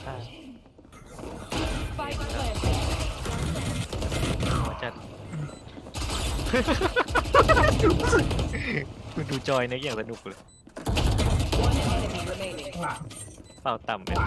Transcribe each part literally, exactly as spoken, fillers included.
ฆ่า Spike planted. หัวจัด คุณดูจอยนะอย่างสนุกเลย One enemy remaining. ข้างหลังเป่าต่ำไป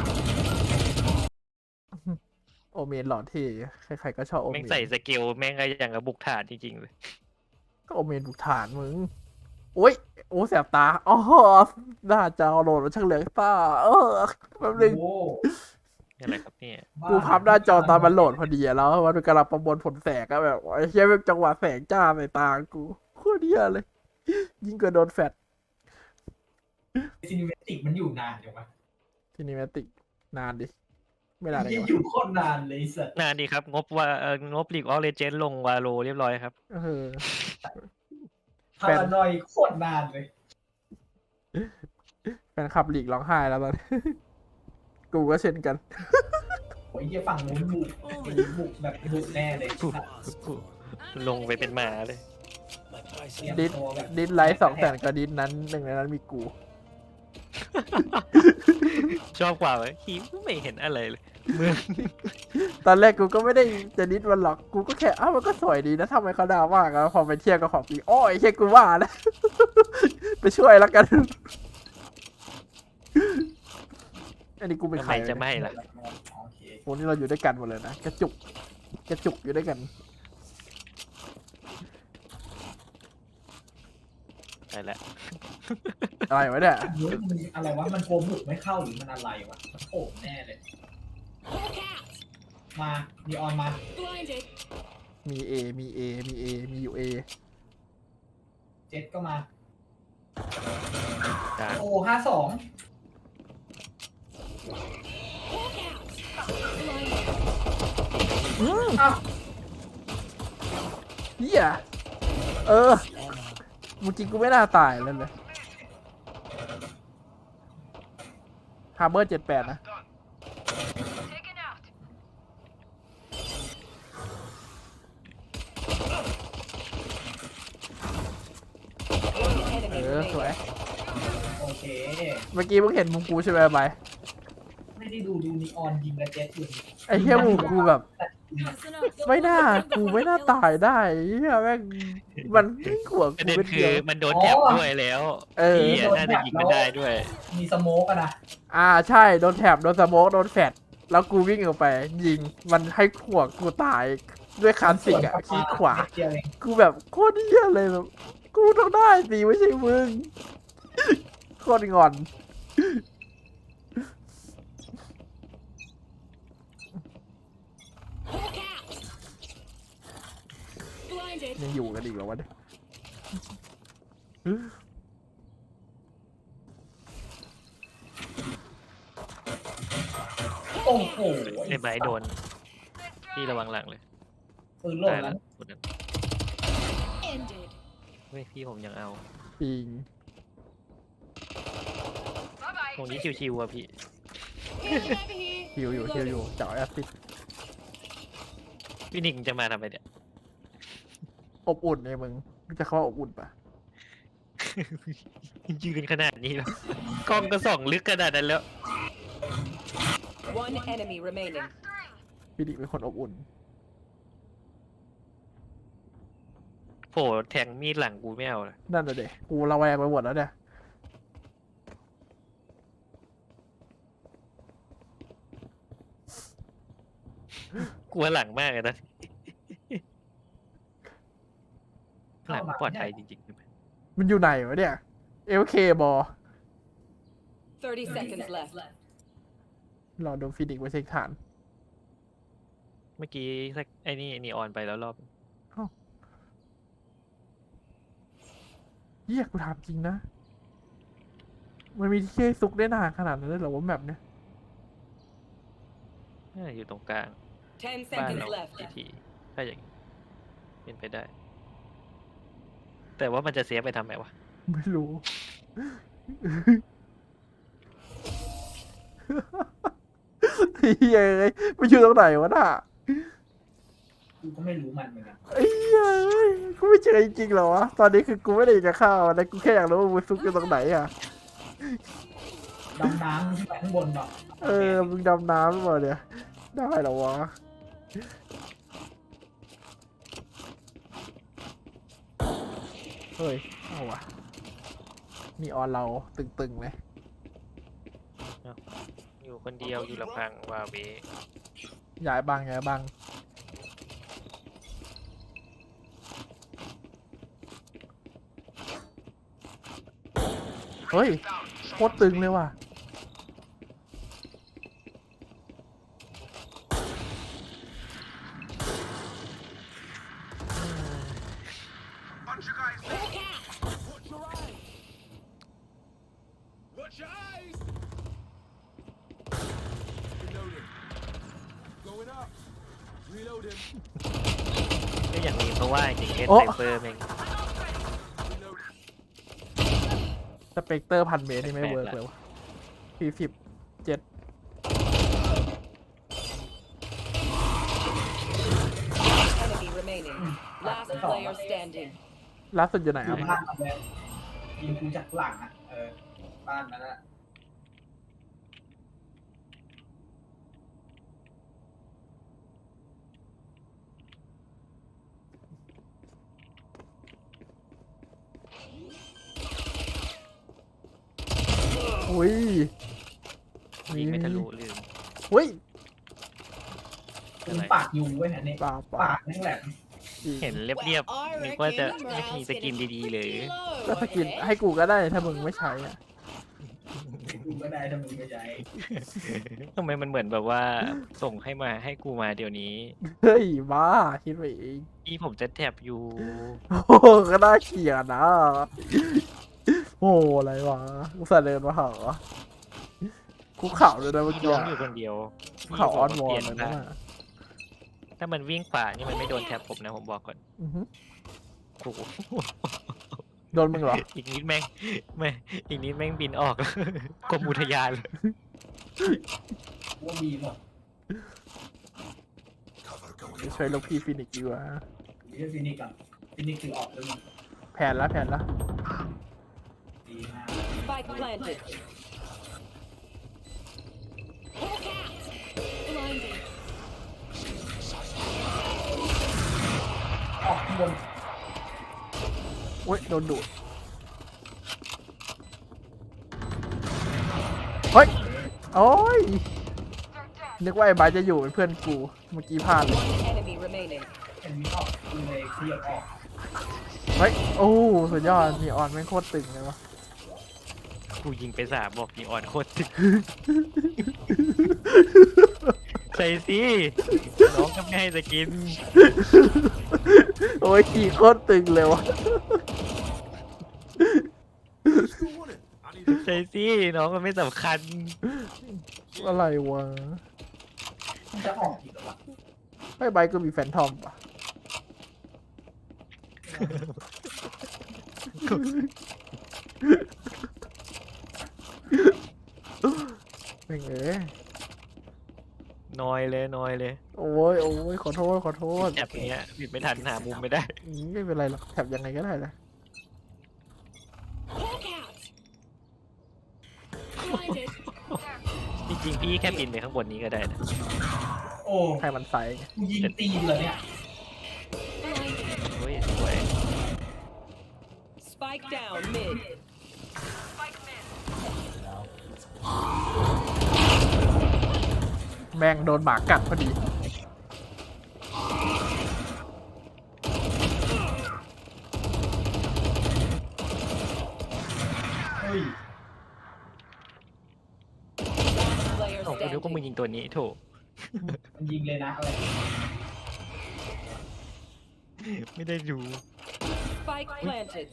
โอเมนหล่อเท่ใครๆก็ชอบโอเมแม่งนใส่สเกลแม่งก็อย่างกับบุกฐานจริงๆเลยก็โอเมนบุกฐานมึงโอ้ยโอ้แสบตาอ๋อหน้าจอโหลดมันช่างเหลืองตาเออแป๊บนึงโอ้อะไรครับเนี่ยกูพับหน้าจอตอนมันโหลดพอดีอะแล้วมันกำลังประมวลผลแสงอะแบบไอ้เหี้ยแบบจังหวะแสงจ้าใส่ตากูโคตรเหี้ยเลย ยิ่งกว่าโดนแฟลชซีนิเมติกมันอยู่นานจังวะซีนิเมติกนานดิ ไม่นานเลยยังวะอยู่โคตรนานเลยสัตว์นานดีครับ งบว่าเอองบลีกออเลเจนลงวาโลเรียบร้อยครับเออพารานอยโคตรนานเลยแฟนคลับหลีกร้องไห้แล้วตอนนี้ กูก็เช่นกันโอ้ยเหี้ยฝั่งนู้นบุกไอ้บุกแบบบุกแน่เลยสัตว์ลงไปเป็นหมาเลยเตรียมดิสตัวแบบดิสไลท์สองแสนกว่าดิสนั้นหนึ่งในนั้นมีกูชอบกว่าไหมฮีไม่เห็นอะไรเลยเมืองตอนแรกกูก็ไม่ได้จะดิสมันหรอก กูก็แค่อ้าวมันก็สวยดีนะทำไมเขาด่ามากอะพอไปเทียบกับของปีอ้อยแค่กูว่านะ ไปช่วยแล้วกัน อันนี้กูเป็นทำใคไมรจะไม่ล่ะโอเคโอ้นี่เราอยู่ด้วยกันหมดเลยนะ กระจุก กระจุกอยู่ด้วยกันได้แล้วอะไรวะเนี่ยเฮ้ยมันอะไรวะมันโกบุกไม่เข้าหรือมันอะไรวะมันโผล่แน่เลย Hawk out. มามีออนมา Blinded. มี A มี A มี A มีอยู่ A เจ็ดก็มากลางโอ้ห้าสอง Hawk out. Blinded. อ้าวเฮียเออเมื่อกี้กูไม่น่าตายแล้วเลยฮาร์เบอร์เจ็ดแปดนะ One เอ enemy อ สวย remaining. โอเคเมื่อกี้มึงเห็นมุมกูใช่ไหมไปไม่ได้ดูดูนีออนยิงกระเจ็ดอยู่ไอ้เหี้ยมุมกูแบบ ไม่น่า กูไม่น่าตายได้เฮียแม่งมันขวงประกูเด็นเป็นคืเดีอยวมันโดนแถบด้วยแล้วเออพี่น่าจะยิงไม่ได้ด้วยมีสโมกอะนะอ่าใช่ โดนแถบโดนสโมกโดนแฟดแล้วกูวิ่งออกไป ยิงมันให้ขวงกูตายด้วยคลาสสิกอะขี้ขวาเดียวเองกูแบบโคตรเหี้ยเลยแบบกูต้องได้สิไม่ใช่มึง โคตรงอน Hawk out. Blinded. ยังอยู่กันอีกเหรอวะเนี่ยโอ้โหไอ้ใบโดน พี่ระวังหลังเลยปืนหล่นตายแล้แล้ว วคนนั้น Ended. เฮ้ยพี่ผมยังเอาปิงตรงนี้ชิวๆอ่ะพี่ Healing over here. ฮิวอยู่ฮิวอยู่เจาะแอสซิดพี่นิกจะมาทำไมเนี่ยอบอุ่นเนี่ยมึงรู้จะเข้าว่าอบอุ่นปะยืนขนาดนี้แล้วกล้องก็ส่องลึกขนาดนั้นแล้ว One enemy remaining. พี่ดิเป็นคนอบอุ่นโผล่แทงมีดหลังกูไม่เอาเลยนั่นน่ะเด็กกูระแวงไปหมดแล้วเนี่ยกลัวหลังมากเลยนะ หลังปลอดภัยจริงๆใช่ไหมมันอยู่ไหนวะเนี่ย เอลเคบอ Thirty seconds left. รอโดนฟินิกซ์ไว้เช็คฐานเมื่อกี้สักไอ้นี่นีออนไปแล้วรอบเฮียกูถามจริงนะ มันมีที่ให้ซุกได้นานขนาดนั้นเลยเหรอว่าแบบเนี้ยน่าจะอยู่ตรงกลาง Ten บ้าน seconds เรา left. ทีทีถ้าอย่างนี้เป็นไปได้ แต่ว่ามันจะเสียไปทำไมวะไม่รู้ เฮียเอ้ยมันอยู่ตรงไหนวะน่ะกูก็ไม่รู้มันเหมือนกันไอ้เหี้ยเอ้ยกูไม่เจอจริงๆเหรอวะ ตอนนี้คือกูไม่ได้อยากจะเข้านะกูแค่อยากรู้ว่ามันซุกอยู่ตรงไหนอ่ะมดำน้ำขึ้นไปข้างบนหรอกเออมึงดำน้ำหรือเปล่าเนี่ยได้เหรอวะเฮ้ยเอาวะมีออนเราตึงๆเลยอยู่คนเดียวอยู่ลำพังวาเวย้ายบังย้ายบังเฮ้ยโคตรตึงเลยว่ะ Watch your eyes! Reloading. Going up. Reloading. ก็อย่างนี้เพราะว่าจริงๆเล่นโอ๊ะไซเฟอร์แม่ง Reloading. สเปกเตอร์พันเมตรนี่ไม่แปลกๆเวิร์กเลยวะสี่สิบเจ็ด Enemy remaining. Last player standing. ล่าสุดอยู่ไหนอครัยู่บบ้านกับแล้วยิงกูจากหลังอ่ะเออบ้านนั้นอ่ะอุ้ยยิงไม่ทะลุลืมอุ้ยกูปากยุงไว้ยอันนี้ปากปาปาก กนั่นแหละอีกเห็นเรียบๆนึกว่าจะมีสกินดีๆเลยก็สกินให้กูก็ได้ถ้ามึงไม่ใช้อ่ะกูก็ได้ถ้ามึงไม่ใช้ทำไมมันเหมือนแบบว่าส่งให้มาให้กูมาเดี๋ยวนี้เฮ้ยบ้าคิดไปเองพี่ผมจะแท็บอยู่โอ้โหก็น่าเกลียดนะ โอ้โหอะไรวะกูสะเดินมาเหรอกูเข่าเลยนะเมื่อพี่กี้ร้องอะอยู่คนเดียวกูเข่าออนวอเปลลี่ยนเลยบ้านะงถ้ามันวิ่งขวานี่มันไม่โดนแท็บผมนะผมบอกก่อนอือหือโอ้โหโดนมึงเหรออีกนิดแม่งไม่อีกนิดแม่งบินออก กรมอุทยานเลยกูว่ามีหมดช่วยลูกพี่ฟินิกซ์ดีกว่ามีแค่ฟินิกกับฟินิกคือออกแล้วมึงแผนละแผนละดีมาก Spike planted. Hawk out. Blinding. ออกข้างบนโอ้ยโดนดูดเฮ้ยโอ้ยนึกว่าไอ้บายจะอยู่เป็นเพื่อนกูเมื่อกี้พลาดเลย One enemy remaining. เห็นมีออกกูเลยขยับออกเฮ้ยโอ้สุดยอดมีออนแม่งโคตรตึงเลยวะกูยิงไปสามบอกยิงอ่อนโคตรตึงใส่สิน้องก็ไม่ให้จะกินโอ้ยขี่โคตรตึงเลยวะ Still want it. I need it. ใส่สิน้องมันไม่สำคัญอะไรวะมันจะออกอีกเหรอวะไอ้ใบก็มีแฟนทอมปะเป็นไงนอยเลยนอยเลยโอ้ยโอ้ยขอโทษขอโทษแอบเนี้ยปิดไม่ทันหามุมไม่ได้อืมไม่เป็นไรหรอกแถบยังไงก็ได้นะ Hawk out. Blinded. จริงๆพี่แค่บินไปข้างบนนี้ก็ได้นะโอ้ให้มันไซส์ไงกูยิงตีนเหรอเนี่ย Blinded. เฮ้ยสวย Spike down mid. แม่งโดนหมากัดพอดีเฮ้ย Player โอ้กูนึกว่ามึง standing. ยิงตัวนี้โถมันยิงเลยนะอะไรไม่ได้ดู Spike planted.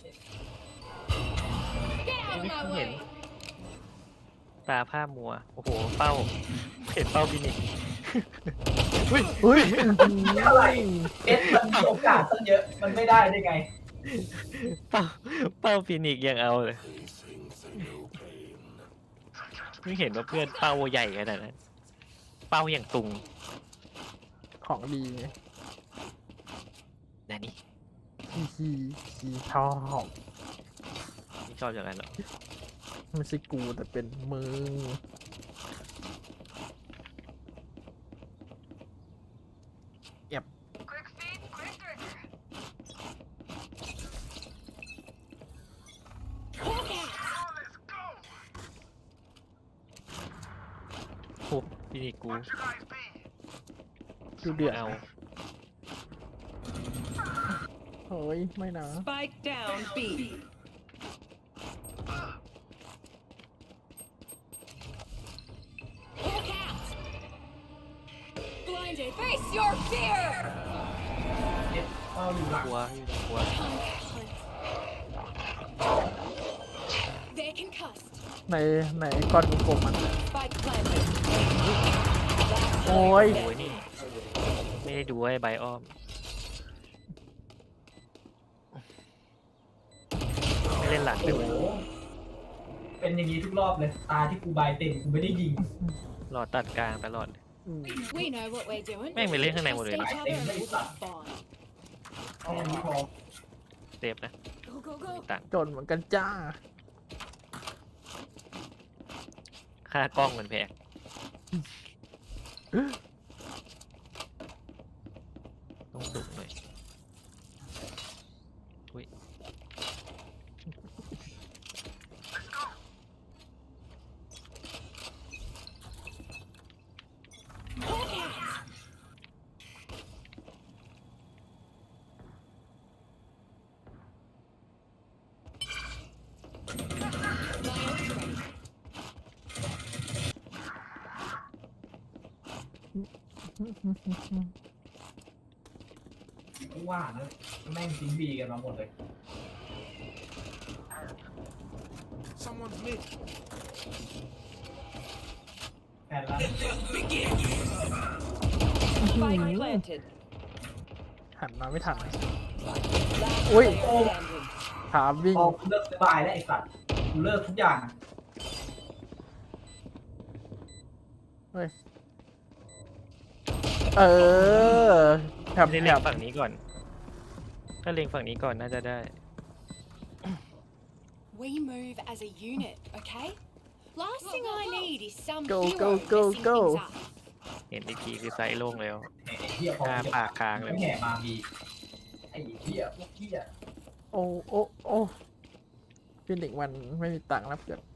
Get out of my way. ตาผ้ามัว โอ้โห เป้า เห็นเป้าฟินิกซ์เฮ้ยอะไรเอสมันมีโอกาสตั้งเยอะมันไม่ได้ได้ไงเป้า เป้าฟินิกซ์ยังเอาเลยไม่เห็นว่าเพื่อนเป้าใหญ่ขนาดนั้น เป้าอย่างตุงของดีไงนะนี่ขี้ขี้ขี้ชอบไม่ชอบอย่างนั้นหรอกไม่ใช่กูแต่เป็นมึงเก็บโอ้พี่นี่กูดูเดือดเอาเฮ้ย ไม่นะ Spike down B. Look out! Blinded. Face your fear! เจ็บเฝ้าอยู่หลังกลัวอยู่กลัว They're concussed. ในในก้อนกลมๆมัน Spike planted. โอ้ยโอ้ยนี่ ไม่ได้ดูไอ้ใบอ้อม ไม่เล่นหลังด้โอ้วยโหเป็นอย่างนี้ทุกรอบเลย ตาที่กูบายเต็มกูไม่ได้ยิงรอตัดกลางตลอดอืม We know what we're doing. แม่งไปเล่นข้างในหมดเลย Trust นะ each other and we'll be fine. แค่นี้พอเซฟนะ Go, go, go. ต่างจนเหมือนกันจ้าค่ากล้องมันแพงต้องดุหน่อยอุ้ย Look out! My ult's ready. กูว่านะแม่งทิ้งบีกันมาหมดเลย Someone's mid. แผ่นละ Spike planted. หันมาไม่ทัน Last Ui. player standing. ถามวิ่งพอกูเลิกบายแล้วไอ้สัตว์กูเลิกทุกอย่างอะเฮ้ย เออแถบไม่ได้แถเล็งบฝั่งนี้ก่อน ถ้าเล็งฝั่งนี้ก่อนน่าจะได้ We move as a unit, okay? Last thing I need is some Go, hero go, go, messing go. things up. เห็นอีกทีคือไซส์โล่งแล้วไอ้เหี้ยพอหน้ากูปากค้างเลยไม่แห่มาบีไอ้เหี้ยพวกเหี้ยโอ้โอ้โอ้ฟินิกซ์มันไม่มีตังค์รับเกิด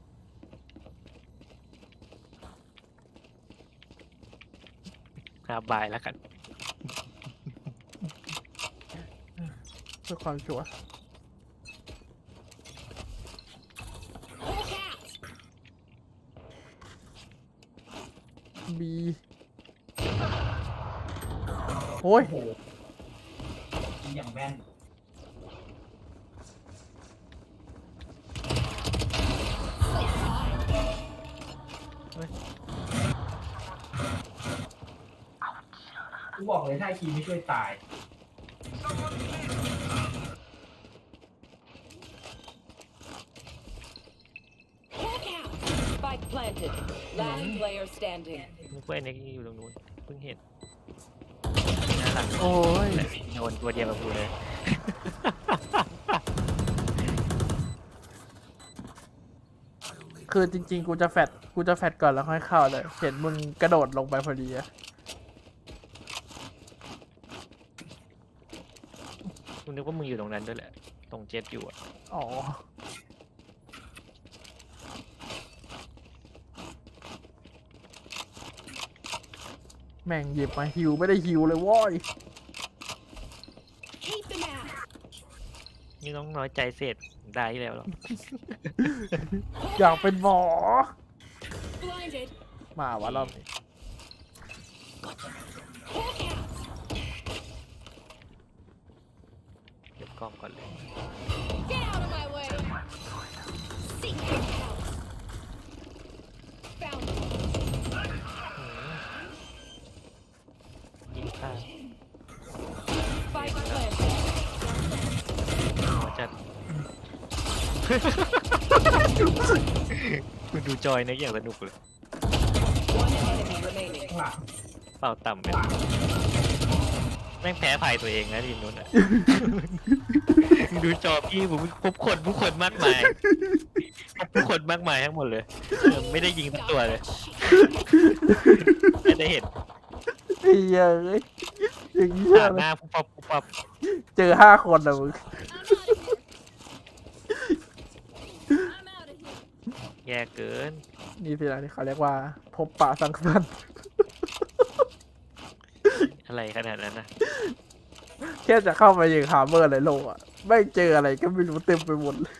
หน้าบายแล้วกันเพื่อความชัวร์ Look out! บีโอ้ยโอ้โหยิงอย่างแม่น กูบอกเลยถ้าไอ้คีไม่ช่วยตาย Look out! Spike planted. Last player standing. นึกว่าไอ้เน็กอยู่ตรงนู้นเพิ่งเห็นหน้าหลังโอ้ยแต่โดนตัวเดียวกับกูเลยคือจริงๆ กูจะแฟดกูจะแฟดก่อนแล้วค่อยเข้าเลย เห็นมึงกระโดดลงไปพอดีอะกูนึกว่ามึงอยู่ตรงนั้นด้วยแหละ ตรงเจ็ตอยู่อะอ๋อ แม่งหยิบมาฮิวไม่ได้ฮิวเลยโว้ย Keep them out! นี่น้องน้อยใจเสร็จได้แล้วหรออยากเป็นหมอ Blinded! มาวะรอบนี้ Look out! เก็บกล้องก่อนเลย Get out of my way! Seek your help! Found one. ยิงข้าง Spike planted. หัวจัด คุณดูจอยนะอย่างสนุกเลย One enemy remaining. ข้างหลังเป่าต่ำไปข้างหลังแม่งแพ้ภัยตัวเองนะทีมนู้นอ่ะ ดูจอพี่ผมพบคนผู้คนมากมายพบผู้คนมากมายทั้งหมดเลยเออไม่ได้ยิงสักตัวเลยไม่ได้เห็นไอ้เหี้ยเอ้ยอย่างเงี้ยผ่านหเลยน้าปุ๊บปั๊บปุ๊บปั๊บเจอห้าคนนะมึงแย่เกินนี่สินะที่เขาเรียกว่า พบปะสังสรรค์อะไรขนาดนั้นนะแค่จะเข้ามายิงฮาร์เมอร์ในโลกอ่ะไม่เจออะไรก็ไม่รู้เต็มไปหมดเลย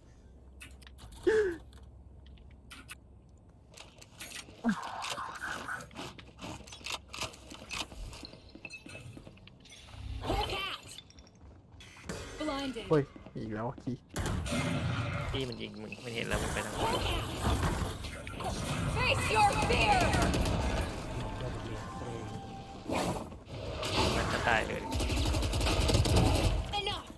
Hawk out. Blinded. เฮ้ยอีกแล้วคีพี่มันยิงมึงไม่เห็นแล้วมึงไปทางไหน Hawk out. Face your fear. มันจะตายเลย Enough.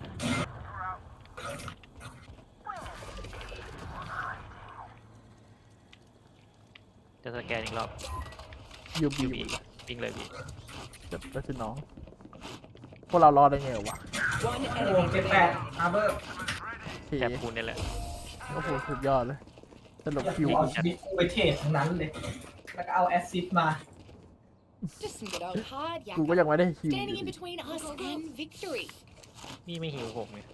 จะสแกนอีกรอบยูบียูบีวิ่งเลยพี่จะไปสิน้อง พวกเรารอดได้ไงวะ One โอ้ enemy เจ็ดแปด remaining. อาร์เบอร์ทีแถบคูณนี่แหละโอ้โหสุดยอดเลยสรุปอยากคิวเอาชีวิตกูไปเทรดทั้งนั้นเลย แล้วก็เอาแอสซิสต์มา Just some good old hard กูก็ yakka. ยังไม่ได้คิว Standing in between us and victory. พี่ไม่หิวผมไง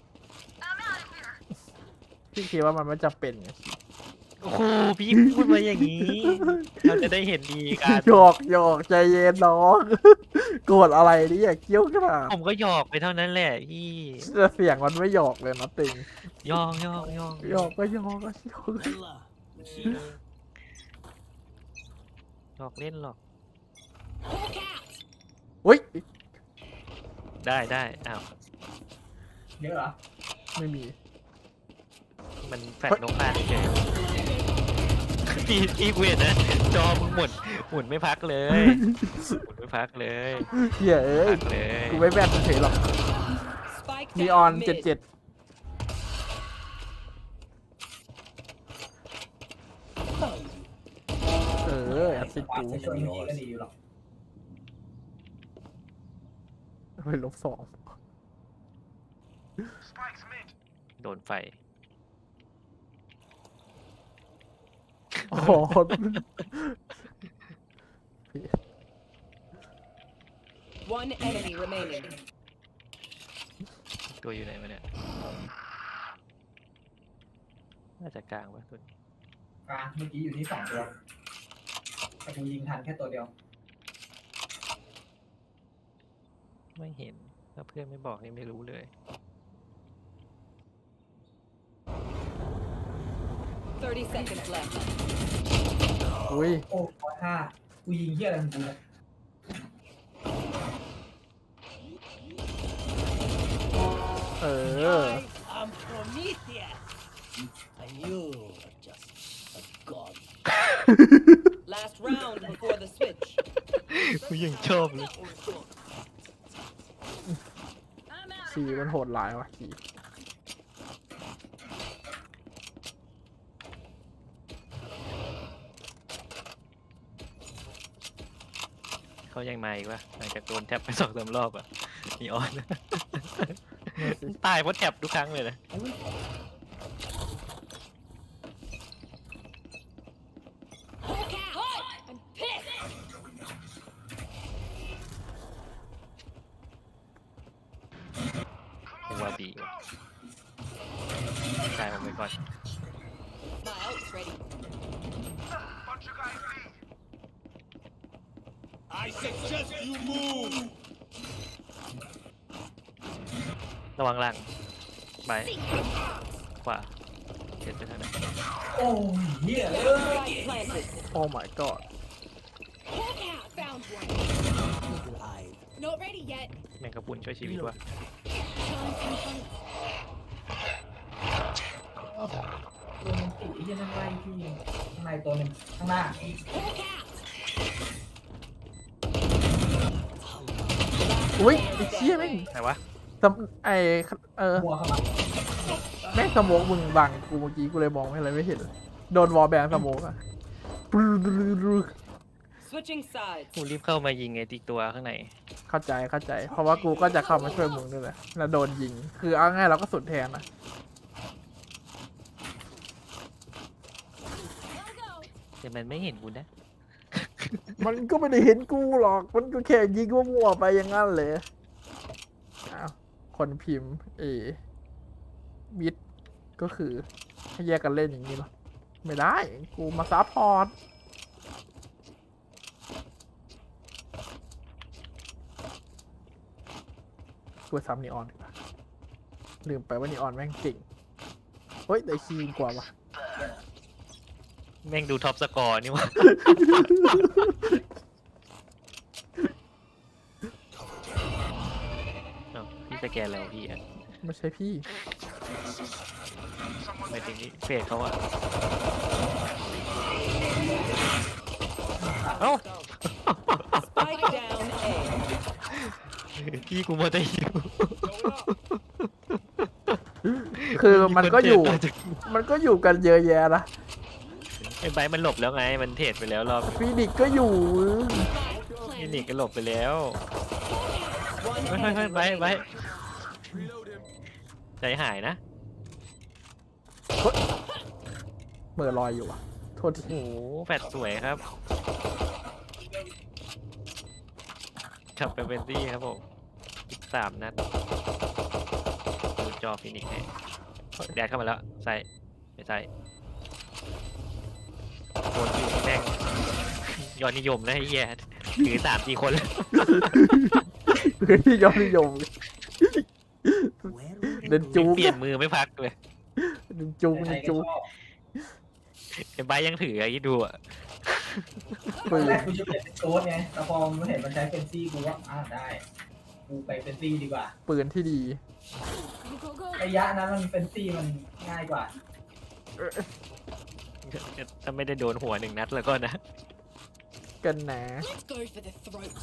พี่คิดว่ามันไม่จำเป็นไงโอ้โหพี่พูดมาอย่างนี้ เราจะได้เห็นดีกันหยอกหยอกใจเย็นน้อง โกรธอะไรนี่อย่าเกี้ยวกราดผมก็หยอกไปเท่านั้นแหละพี่แต่เสียงมันไม่หยอกเลยนะติงหยอกหยอกหยอกหยอกก็หยอกก็หยอกหยอกเล่นหรอก Hawk out. อุ้ยได้ได้อ้าวเยอะเหรอไม่มีมันแฟดนกพลาดเฉยๆพี่พี่เวทนะจอมึงหมุนหมุนไม่พักเลยหมุนไม่พักเลยเฮียเอ้ยพักเลยกูไม่แบนเฉยหรอก Spike นีออน down เจ็ด mid. เจ็ดเออแอสซิสต์ปากกูจะช่วยไม่ดีก็ดีอยู่หรอกไปลบสองโดนไฟโอ้โห One enemy remaining. ตัวอยู่ไหนมาเนี่ยน่าจะกลางวะตัวนี้กลางเมื่อกี้อยู่ที่สองตัวแต่กูยิงทันแค่ตัวเดียวไม่เห็นถ้าเพื่อนไม่บอกนี่ไม่รู้เลย thirty seconds left. อุ้ยโอ้ร้อยห้ากูยิงเหี้ยอะไรของกูเนี่ยเออ I'm Prometheus, and you are just a god. Last round before the switch. กูยังชอบเลยสีมันโหดร้ายว่ะสีเขายังมาอีกวะหลังจากโดนแท็บไปสองสามรอบอ่ะนีออน ตายเพราะแท็บทุกครั้งเลยนะ Hawk out. I'm pissed. กูว่าบีวะตายผมไปก่อน My ult's ready. I suggest you move. ระวังหลังไปขวาเช็ดไปทางไหนโอ้ยเหี้ยเอ้ย Spike planted. โอ้ my god Hawk out. Found one. Alive. Not ready yet. แมงกะพรุนช่วยชีวิตวะ Shine some fun. ตัวมันติดไอ้เหี้ยนั่งไล่พี่ข้างในตัวหนึ่งข้างหน้า Hawk out. อุ้ยไอ้เชี่ยแม่งไหนวะสมไอเออบัวเข้ามาแม่งสโมกมึงบังกูเมื่อกี้กูเลยมองอะไรไม่เห็นเลยโดนวอลแบนสโมกอะปรึ๊ด Switching sides. กูรีบเข้ามายิงไอ้ติ๊กตัวข้างในเข้าใจเข้าใจ เพราะว่ากูก็จะเข้ามาช่วยมึงด้วยแหละแล้วโดนยิง คือเอาง่ายเราก็สุดแทนนะแต่มันไม่เห็นกูนะมันก็ไม่ได้เห็นกูหรอก มันก็แค่ยิงมั่วๆไปอย่างนั้นเลยอ้าวคนพิมพ์เอมิดก็คือให้แยกกันเล่นอย่างนี้เหรอ ไม่ได้ กูมาซัพพอร์ต กูซ้ำนีออนดีกว่าลืมไปว่านีออนแม่งเก่ง เฮ้ย ได้คีย์กว่าวะแม่งดูท็อปสกอร์นี่วะ เอ้าพี่สแกนแล้วพี่อ่ะไม่ใช่พี่หมายถึงนี่เฟซเขาอะเอ้า Spike down A. พี่กูมาแต่อยู่คือมันก็อยู่มีคนเทรดมันก็อยู่กันเยอะแยะนะไอ้ไบร์ทมันหลบแล้วไง มันเทรดไปแล้วรอบฟีนิกซ์ก็อยู่นี่นี่ก็หลบไปแล้ว One เฮ้ยเฮ้ยเฮ้ย enemy ไบร์ทไบร์ท Reload him. ใจหายนะเมื่อลอยอยู่อ่ะ โทษทีโอ้โหแฟดสวยครับขับไปเวนตี้ครับผมอีกสามนัดดูจอฟินิกซ์ให้แดดเข้ามาแล้ว ใส่ไม่ใส่โคตรอยู่แม่งยอดนิยมนะไอ้เหี้ยถือสามสี่คนแล้วคือที่ยอดนิยม เดินจูเปลี่ยนมือไม่พักเลยเดินจูเดินจูไอ้ใบร์ทยังถือไอ้ดูอ่ะตอนแรกกูจะเปลี่ยนเป็นโค้ดไงแต่พอมันเห็นมันใช้เฟนซี่กูว่าอ่าได้ กูไปเฟนซี่ดีกว่าปืนที่ดี Go, go, go. ระยะนั้นมันเฟนซี่มันง่ายกว่าถ้าไม่ได้โดนหัวหนึ่งนัดแล้วก็นะกันนะ Let's go for the throat.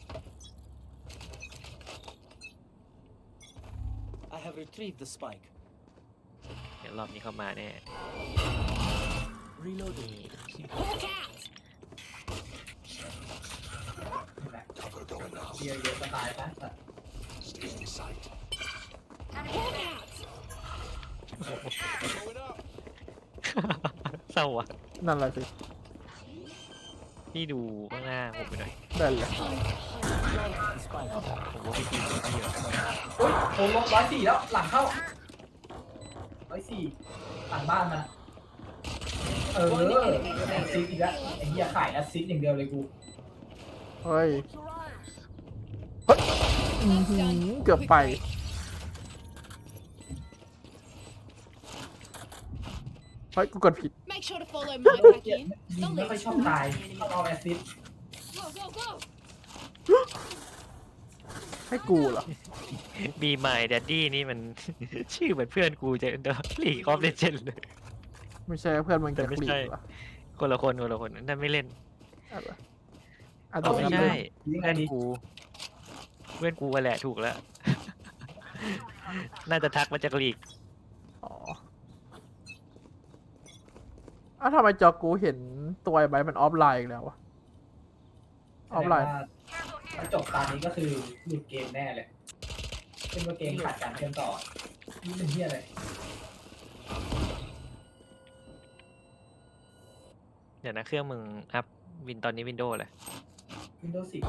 I have retrieved the spike. เดี๋ยวรอบนี้เข้ามาแน่ Reloading. นี่ Hawk out. เดียวเดียวก็ตายปะแต่ Hawk out. Going up. เศร้าอ่ะนั่นแหละสิพี่ดูข้างหน้าผมไปหน่อยนั่นแหละ The spike. ผมว่าพี่ทีมพี่อะโอ้ยโอ้ลงร้อยสี่แล้วหลังเข้าร้อยสี่หลังบ้านมันอะเออแอสซิสต์อีกแล้วไอ้เหี้ยขายแอสซิสต์อย่างเดียวเลยกูเฮ้ย เฮ้ยอื้อหือเกือบไป เฮ้ย กูกดผิด Make sure to follow โด my น back เกลียด in. ยิง They'll ไม่ค่อย lead ชอบ you ตาย to the ชอบ enemy. เอาแอสซิสต์ Go, go, go. ให้กูเหรอบีมายแดดดี้นี่มัน ชื่อเหมือนเพื่อนกูจะเดอะลีกออฟเลเจนด์เลยไม่ใช่เพื่อนมึงแต่จะไม่คลีใช่เหรอคนละคนคนละคนนั่นไม่เล่นอะไรอ่ะเอาไม่ต้องใช่ยิงไงเพื่อนดีกู เพื่อนกูอะแหละถูกแล้ว น่าจะทักมาจากลีกอ๋ออ้าวทำไมจอกูเห็นตัวไอ้ใบมันออฟไลน์อีกแล้ววะ ออฟไลน์ถ้าจบตอนนี้ก็คือหลุดเกมแน่เลยเป็นว่าเกมขาดการเชื่อมต่อนี่เป็นเหี้ยอะไรเดี๋ยวนะเครื่องมึงอัพวินตอนนี้วินโดว์เลยวินโดว์สิบ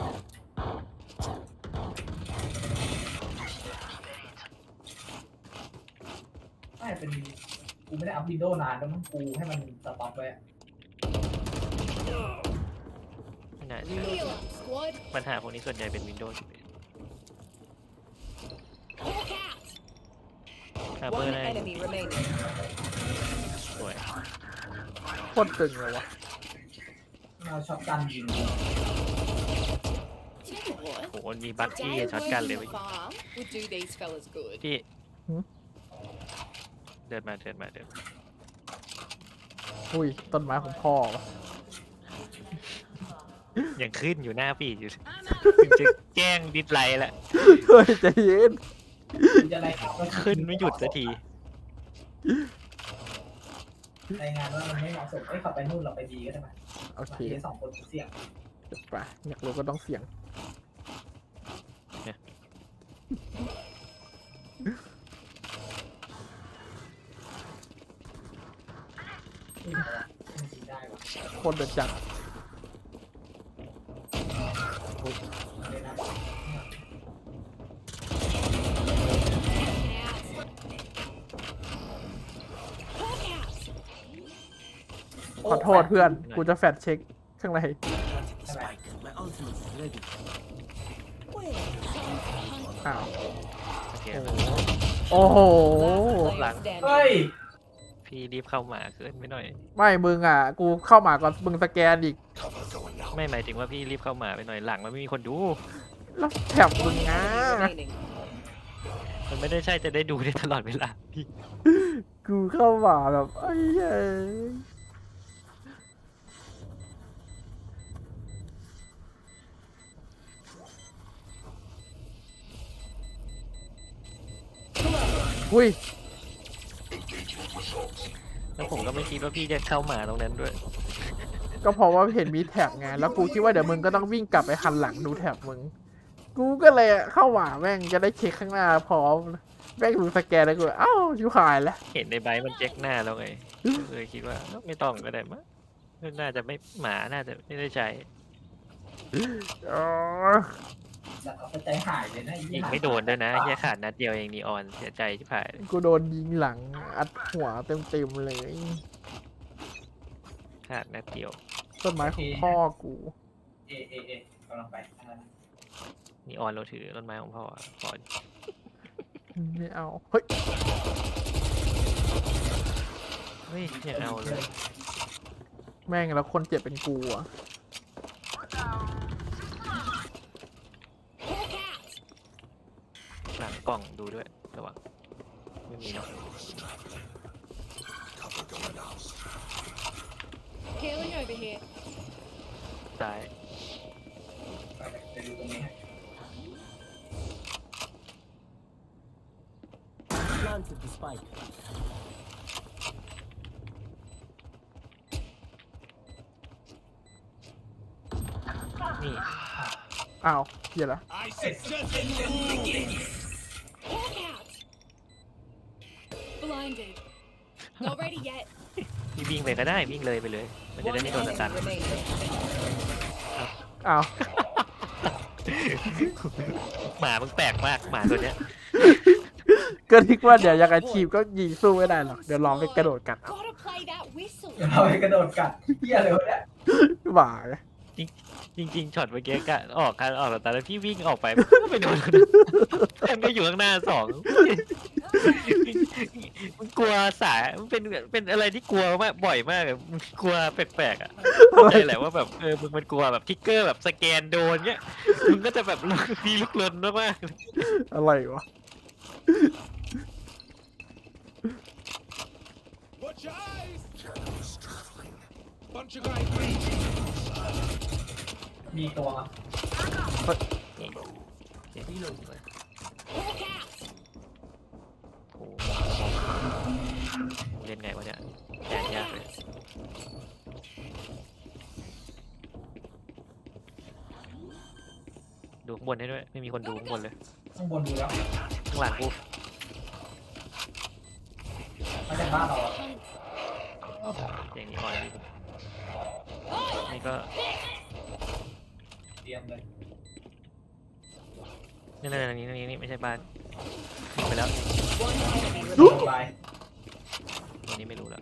ไม่เป็นกูไม่ได้อัพวินโดว์นานแล้วมั้งกูให้มันสต็อปไว้อะไม่น่าใช่ Heal up, squad. ปัญหาพวกนี้ส่วนใหญ่เป็นวินโดว์สิบเอ็ด Hawk out. คาเบอ One ร์ได้ enemy remaining. สวยโคตรตึงเลยวะเอาช็อตกันยิง Tell you what. โหมันมีบัค A กี้ day ช็อตกัน working เลย the เว้ย farm would do these fellas good. พี่เดินมาเดินมาเดินมาอุ้ย ต้นไม้ของพ่อวะยังขึ้นอยู่หน้าปีดอยู่ I'm out. ถึงจะแจ้งดิสไลค์แล้วเฮ้ยใจเย็นจะอะไรครับขึ้นไม่หยุดสักทีรายงานว่ามันไม่เหมาะสมเอ้ยขับไปนู่นเราไปดีก็ได้ไหมโอเคทีสองคนเสี่ยงเดี๋ยวไปอยากรู้ก็ต้องเสี่ยงคนเดือดจัด ขอโทษเพื่อน กูจะแฟดเช็คข้างใน Planted the spike. My ultimate is ready. Where? อ้าวโอเคโอ้โห Last player standing. เฮ้ยพี่รีบเข้ามาเกินไปหน่อยไม่มึงอ่ะ กูเข้ามาก่อนมึงสแกนอีกไม่หมายถึงว่าพี่รีบเข้ามาไปหน่อยหลังมันไม่มีคนดูแล้วแถบมึง One นะ enemy remaining. มันไม่ได้ใช่จะได้ดูได้ตลอดเวลาพี่กูเข้ามาแบบไอ้เหี้ยอุ้ยแล้วผมก็ไม่คิดว่าพี่จะเข้ามาตรงนั้นด้วยก็เพราะว่าเห็นมีแท็บไง แล้วกูคิดว่าเดี๋ยวมึงก็ต้องวิ่งกลับไปหันหลังดูแท็บมึง กูก็เลยเข้ามาแม่งจะได้เช็คข้างหน้าพร้อม แม่งดูสแกนแล้วกูเอ้าชิวหายแล้วเห็นในใบมันเจ๊กหน้าแล้วไงก็เลยคิดว่าเอ้าไม่ต้องก็ได้มั้งน่าจะไม่หมาน่าจะไม่ได้ใช้อ๋อจะเอาไปใจหายเลยนะไอ้เหี้ยิยงไม่โดนด้วยนะแค่ขาดนัดเดียวเองนีออนเสียใจที่ผ่านกูโดนยิงหลังอัดหัวเต็มๆเลยขาดนัดเดียวต้นไม้ของพ่อกูเอเอเอกำลังไปทางนั้นนีออนเราถือต้นไม้ของพ่อพ่อไม่เอา เฮ้ยเฮ้ยอย่าเอาเลยแม่งแล้วคนเจ็บเป็นกูอะ Hawk out. หลังกล่องดูด้วยระวังไม่มีเนาะ Healing over here. ซ้ายไปไปดูตรงนี้ให้ Planted the spike. นี่อ้าวเหี้ยละ I suggest you Hawk out. Blinded. Not ready yet. พี่วิ่งไปก็ได้วิ่งเลยไปเลย มันจะได้ One ไม่โดนสตัน enemy remaining. อ้าวหมามึงแปลกมากหมาตัวเนี้ยก็คิดว่าเดี๋ยวยังไงทีมก็ยิงสู้ไม่ได้หรอก เดี๋ยวลองไปกระโดดกัดเอา Gotta play that whistle. เดี๋ยวเราไปกระโดดกัดเหี้ยเลยวะเนี่ยบ่าไงจริงๆช็อตเมื่อกี้กะออกการออกสตาร์แล้วพี่วิ่งออกไปก็ไปโดนมันก็อยู่ข้างหน้าสองมันกลัวสายมันเป็นเป็นอะไรที่กลัวมากบ่อยมากอะมันกลัวแปลกๆอ่ะเข้าใจแหละว่าแบบเออมึงมันกลัวแบบทิกเกอร์แบบสแกนโดนเงี้ยมึงก็จะแบบมีลุกลนมากอะไรวะ Watch your eyes! Bunch of guys breach. มีตัวๆนี่เดี๋ยวพี่ลงเลย Hawk out. โอ้โหเล่นไงวะเนี่ยแย่ยากเลยดูข้างบนให้ด้วยไม่มีคนดูข้างบนเลยข้างบนดูแล้วข้างหลังกูมาจากบ้านเราอะอย่างนี้อ่อนดีนี่ก็เตรียมเลยนี่นี่นี่นี่นี่ไม่ใช่บ้านยิงไปแล้ว One enemy ดู remaining. ไปตัวนี้ไม่รู้แล้ว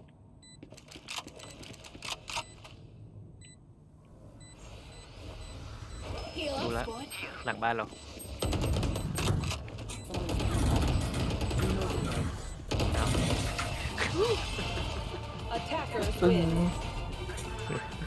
Heal Đủ up, lắm. squad. หลังบ้านเรา Attackers ตึง win.